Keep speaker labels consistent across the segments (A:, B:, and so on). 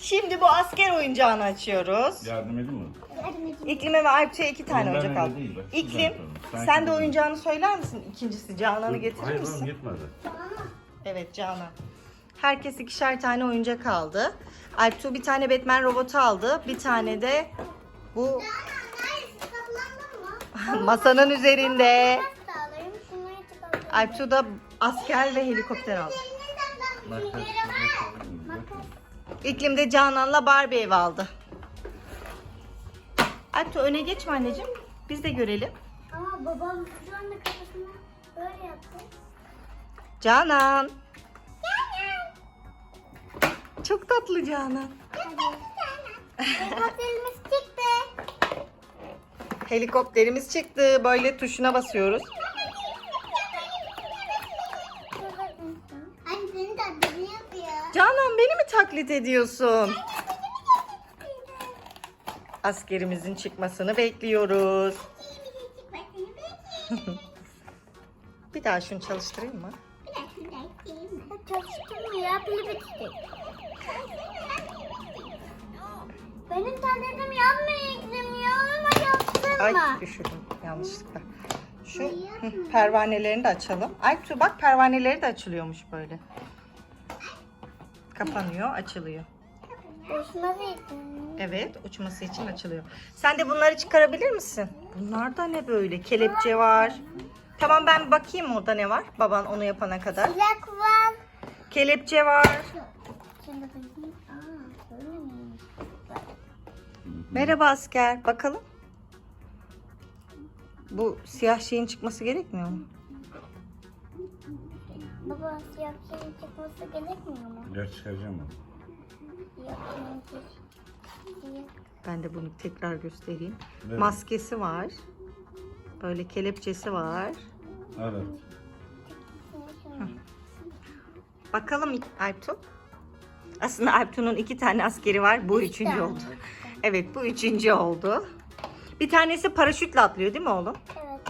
A: Şimdi bu asker oyuncağını açıyoruz.
B: Yardım edeyim mi?
A: İklim'e ve Alptuğ'a 2 tane
B: Ondan
A: oyuncak
B: öyle
A: aldım.
B: değil, bak,
A: İklim,
B: şuradan yapalım. Sanki
A: sen de
B: böyle.
A: oyuncağını söyler misin? İkincisi Canan'ı getirir
B: Hayır
A: misin?
B: oğlum gitmedi.
A: Evet Canan. Herkes 2'şer tane oyuncak aldı. Alptuğ bir tane Batman robotu aldı. Bir tane de bu masanın üzerinde. Alptuğ da asker ve helikopter aldı. İklim de Canan'la Barbie ev aldı. Alptuğ öne geçme anneciğim. Biz de görelim.
C: Ama babam şu anda kafasına böyle yaptı.
A: Canan. Çok tatlı Canan.
C: Helikopterimiz çıktı.
A: Helikopterimiz çıktı. Böyle tuşuna basıyoruz.
C: Anne senin tatlını yapıyor.
A: Canan beni mi taklit ediyorsun? Askerimizin çıkmasını bekliyoruz. Bir daha şunu çalıştırayım mı?
C: Çalıştırmıyor. Pili bitti. Benim tabletim yanmıyor İklim ya. Ama yaptırma.
A: Ay düşürdüm yanlışlıkla. Şu pervanelerini de açalım. Alptuğ bak pervaneleri de açılıyormuş böyle. Kapanıyor, açılıyor.
C: Hoşuma gitti.
A: Evet, uçması için açılıyor. Sen de bunları çıkarabilir misin? Bunlar da ne böyle? Kelepçe var. Tamam ben bir bakayım orada ne var. Baban onu yapana kadar.
C: Silak var.
A: Kelepçe var.
C: Şöyle bakayım. Aa, böyle miymiş?
A: Merhaba asker. Bakalım. Bu siyah şeyin çıkması gerekmiyor mu?
C: Baba siyah şeyin çıkması gerekmiyor mu?
B: Gel çıkaracağım onu.
C: Siyah şeyin siyah.
A: Ben de bunu tekrar göstereyim.
B: Evet.
A: Maskesi var. Böyle kelepçesi var.
B: Evet.
A: Bakalım Alptuğ. Aslında Alptuğ'un 2 tane askeri var. Bu üçüncü
C: tane.
A: oldu. Evet bu üçüncü oldu. Bir tanesi paraşütle atlıyor değil mi oğlum?
C: Evet.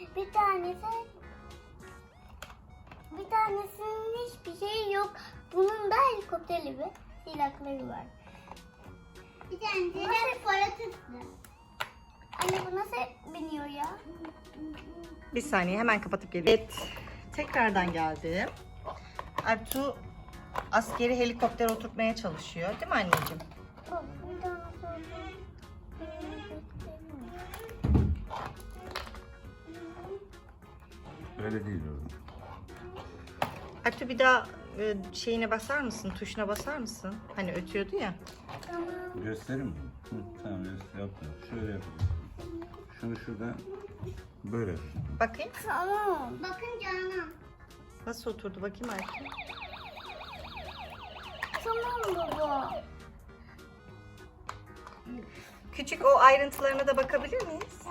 C: Bir tanesinin hiçbir şeyi yok. Bunun da helikopterli bir silahları var. Bir tanesi de paraşütlü. Anne bu nasıl biniyor ya?
A: Bir saniye hemen kapatıp geliyorum. Evet. Tekrardan geldim. Alptuğ askeri helikoptere oturtmaya çalışıyor. Değil mi anneciğim?
C: Bak bir tane sordu.
B: Öyle değil oğlum.
A: Alptuğ bir daha şeyine basar mısın? Tuşuna basar mısın? Hani ötüyordu ya.
C: Tamam.
B: Göstereyim mi? Hı, tamam yaptım. Şöyle yapacağız. Şunu şuradan böyle yapacağım.
A: Bakayım.
C: Tamam. Bakın Canan.
A: Nasıl oturdu bakayım Alptuğ.
C: Tamam baba.
A: Küçük o ayrıntılarına da bakabilir miyiz?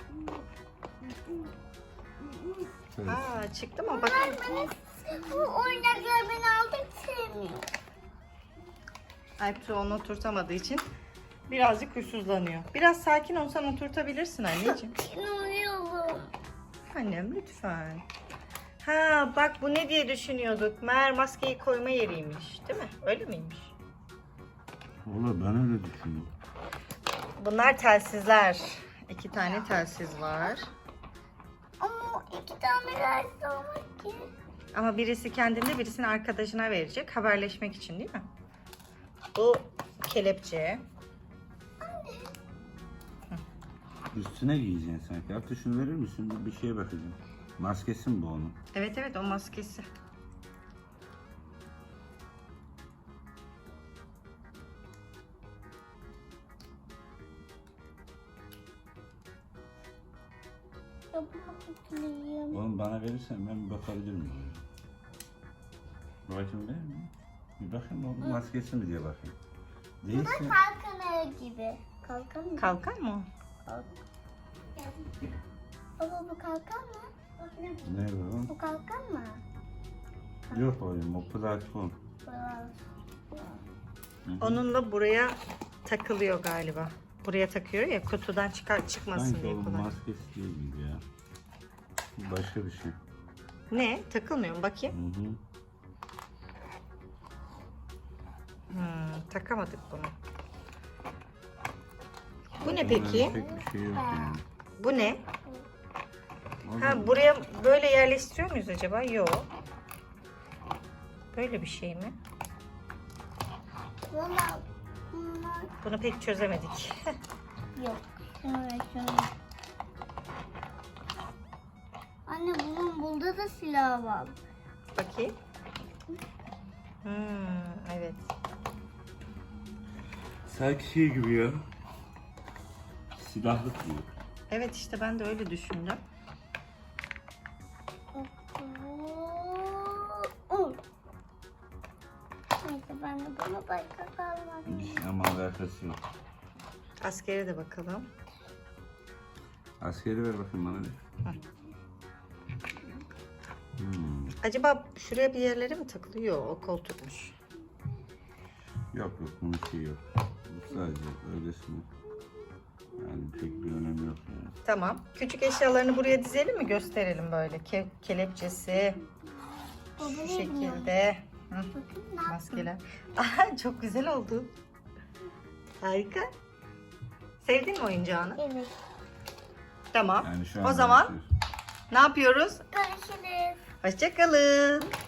B: Evet.
A: Aa çıktı mı? Bakayım.
C: Bu oyuncaklar beni aldık sevmiyor.
A: Alptuğ onu oturtamadığı için birazcık huysuzlanıyor. Biraz sakin olsan oturtabilirsin anneciğim.
C: Ne oluyor?
A: Annem lütfen. Ha bak bu ne diye düşünüyorduk. Meğer maskeyi koyma yeriymiş. Değil mi? Öyle miymiş?
B: Valla ben öyle düşündüm.
A: Bunlar telsizler. 2 tane telsiz var.
C: Ama 2 tane dersi olmaz ki.
A: Ama birisi kendinde birisini arkadaşına verecek. Haberleşmek için değil mi? Bu kelepçe.
B: Üstüne giyeceksin sanki. Hatta şunu verir misin? Bir şeye bakacağım. Maskesi mi bu onun?
A: Evet evet o maskesi.
C: Yapmak istiyorum.
B: Oğlum bana verirsen ben bir bakabilir miyim? Bakayım değil mi? Bir bakayım oğlum maskesi mi diye bakayım. Değilse
C: Kalkan gibi. Kalkan mı?
A: Kalkan mı o?
C: Baba bu kalkan mı?
B: ne var oğlum?
C: Bu kalkan mı?
B: Yok oğlum o platform.
A: Onunla buraya takılıyor galiba. Buraya takıyor ya kutudan çıkmasın
B: Sanki
A: diye
B: oğlum
A: kullan.
B: maskesi değil gibi ya. Bu başka bir şey.
A: Ne? Takılmıyor mu? Bakayım.
B: Hı hı.
A: Takamadık bunu. Bu ne
B: Bunların
A: peki?
B: Pek bir şey yok yani.
A: Bu ne?
B: O
A: Ha,
B: da-
A: buraya böyle yerleştiriyor muyuz acaba? Yok. Böyle bir şey mi?
C: Valla bunlar
A: Bunu pek çözemedik.
C: yok. Şöyle. Anne bunun burada da silah var.
A: Bakayım. Evet.
B: Sanki şey gibi ya. Silahlık gibi.
A: Evet işte ben de öyle düşündüm.
C: Neyse ben de buna başka kalmadım.
B: Hiç ama alakası yok.
A: Askere de bakalım.
B: Askeri ver bakayım bana bir.
A: Acaba şuraya bir yerlere mi takılıyor? O koltukmuş.
B: Yok bunun şeyi yok. Bu sadece öylesine. Yani pek bir önemi yok yani.
A: Tamam. Küçük eşyalarını buraya dizelim mi? Gösterelim böyle. Kelepçesi.
C: Baba
A: Şu
C: ne
A: şekilde. Hı,
C: Bakın ne yaptım.
A: maskeler. Aha, çok güzel oldu. Harika. Sevdin mi oyuncağını?
C: Evet.
A: Tamam.
B: Yani şu
A: O
B: an
A: zaman
B: görüşürüz.
A: ne yapıyoruz?
C: Görüşürüz.
A: Hoşça kalın.